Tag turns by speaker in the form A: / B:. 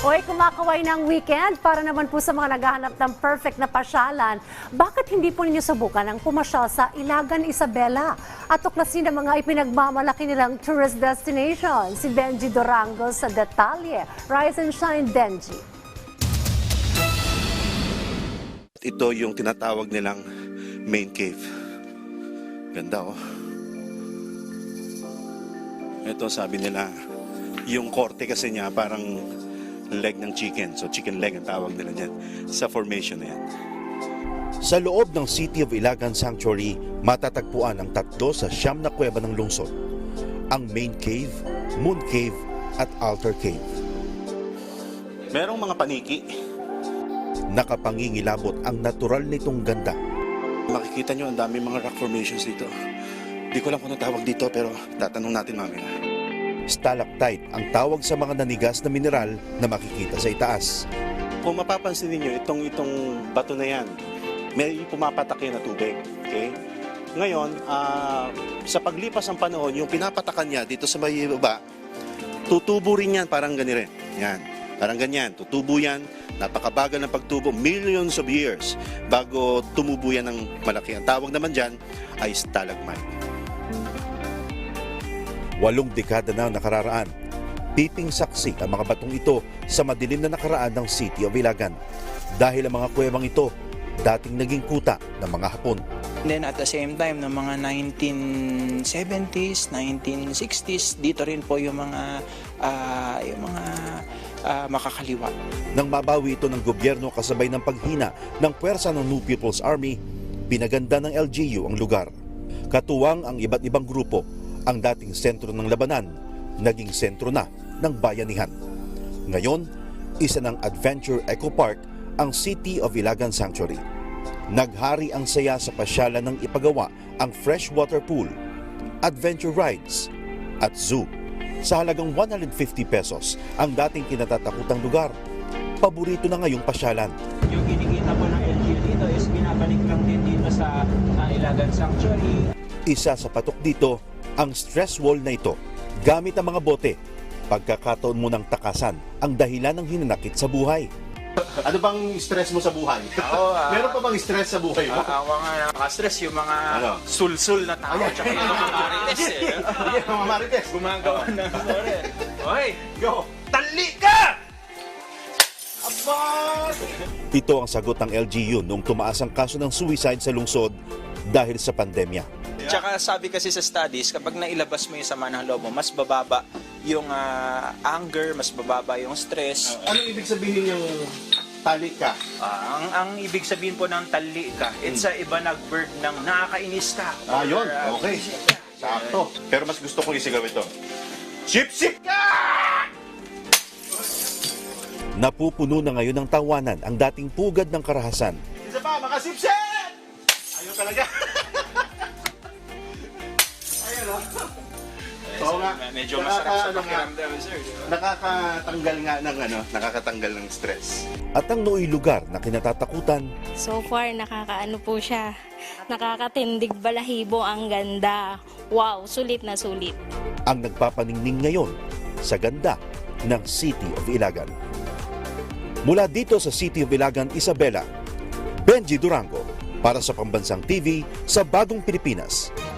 A: Hoy, kumakaway ng weekend para naman po sa mga naghahanap ng perfect na pasyalan. Bakit hindi po ninyo subukan ang pumasyal sa Ilagan, Isabela at tuklasin ang mga ipinagmamalaki nilang tourist destination? Si Benji Durango sa detalye. Rise and shine, Benji.
B: Ito yung tinatawag nilang main cave. Ganda oh. Ito sabi nila, yung korte kasi niya parang leg ng chicken. So chicken leg ang tawag nila dyan sa formation na yan.
C: Sa loob ng City of Ilagan Sanctuary, matatagpuan ang 3 sa 9 na kuweba ng lungsod. Ang Main Cave, Moon Cave at Altar Cave.
B: Merong mga paniki.
C: Nakapangingilabot ang natural nitong ganda.
B: Makikita nyo ang dami mga rock formations dito. Di ko lang kung tawag dito pero tatanong natin mamaya.
C: Stalactite ang tawag sa mga nanigas na mineral na makikita sa itaas.
B: Kung mapapansin niyo itong bato na yan, may pumapatak yan na tubig. Okay? Ngayon, sa paglipas ng panahon, yung pinapatakan niya dito sa may baba, tutubo rin yan parang ganire. Yan. Parang ganyan. Tutubo yan. Napakabagal ng pagtubo. Millions of years bago tumubo yan ng malaki. Ang tawag naman dyan ay stalagmite.
C: 8 dekada na nakararaan. Piping saksi ang mga batong ito sa madilim na nakaraan ng City of Ilagan. Dahil ang mga kuwebang ito, dating naging kuta ng mga Hapon.
D: And then at the same time, ng mga 1970s, 1960s, dito rin po yung mga makakaliwa.
C: Nang mabawi ito ng gobyerno kasabay ng paghina ng puwersa ng New People's Army, pinaganda ng LGU ang lugar. Katuwang ang iba't ibang grupo, ang dating sentro ng labanan, naging sentro na ng bayanihan. Ngayon, isa ng Adventure Eco Park ang City of Ilagan Sanctuary. Naghari ang saya sa pasyalan ng ipagawa ang freshwater pool, adventure rides, at zoo. Sa halagang 150 pesos ang dating kinatatakutang lugar. Paborito na ngayong pasyalan.
E: Yung kinikita po ng LGU dito is binabalik lang din dito sa Ilagan Sanctuary.
C: Isa sa patok dito, ang stress wall na ito, gamit ang mga bote. Pagkakataon mo ng takasan ang dahilan ng hinanakit sa buhay.
B: Ano bang stress mo sa buhay? Meron pa bang stress sa buhay mo?
D: Ang mga nakaka-stress, yung mga
B: Ano?
D: sul-sul na tao, tsaka yung mga marites eh.
B: Sige, mga marites.
D: Gumagawa ng story. Hoy,
B: Go!
D: tali ka!
C: Ito ang sagot ng LGU noong tumaas ang kaso ng suicide sa lungsod dahil sa pandemya.
D: Tsaka sabi kasi sa studies, kapag nailabas mo yung sama ng loob mo, mas bababa yung anger, mas bababa yung stress.
B: Ano ibig sabihin yung tali ka?
D: Ang ibig sabihin po ng tali ka, it's a iba nag-verb ng nakakainis ka.
B: Yun.
D: Or,
B: Okay. Sakto. Pero mas gusto kong isigaw ito. Sip-sip ka!
C: Napupuno na ngayon ng tawanan ang dating pugad ng karahasan.
B: Isa pa, makasip-sip! Ayaw talaga. Ayun o. Oo nga.
D: Medyo masarap sa pakiramdam, sir.
B: Nakakatanggal nga ng nakakatanggal ng stress.
C: At ang nooy lugar na kinatatakutan,
F: So far, nakakaano po siya. Nakakatindig balahibo, ang ganda. Wow, sulit na sulit.
C: ang nagpapaningning ngayon sa ganda ng City of Ilagan. Mula dito sa City of Ilagan, Isabela, Benji Durango para sa Pambansang TV sa Bagong Pilipinas.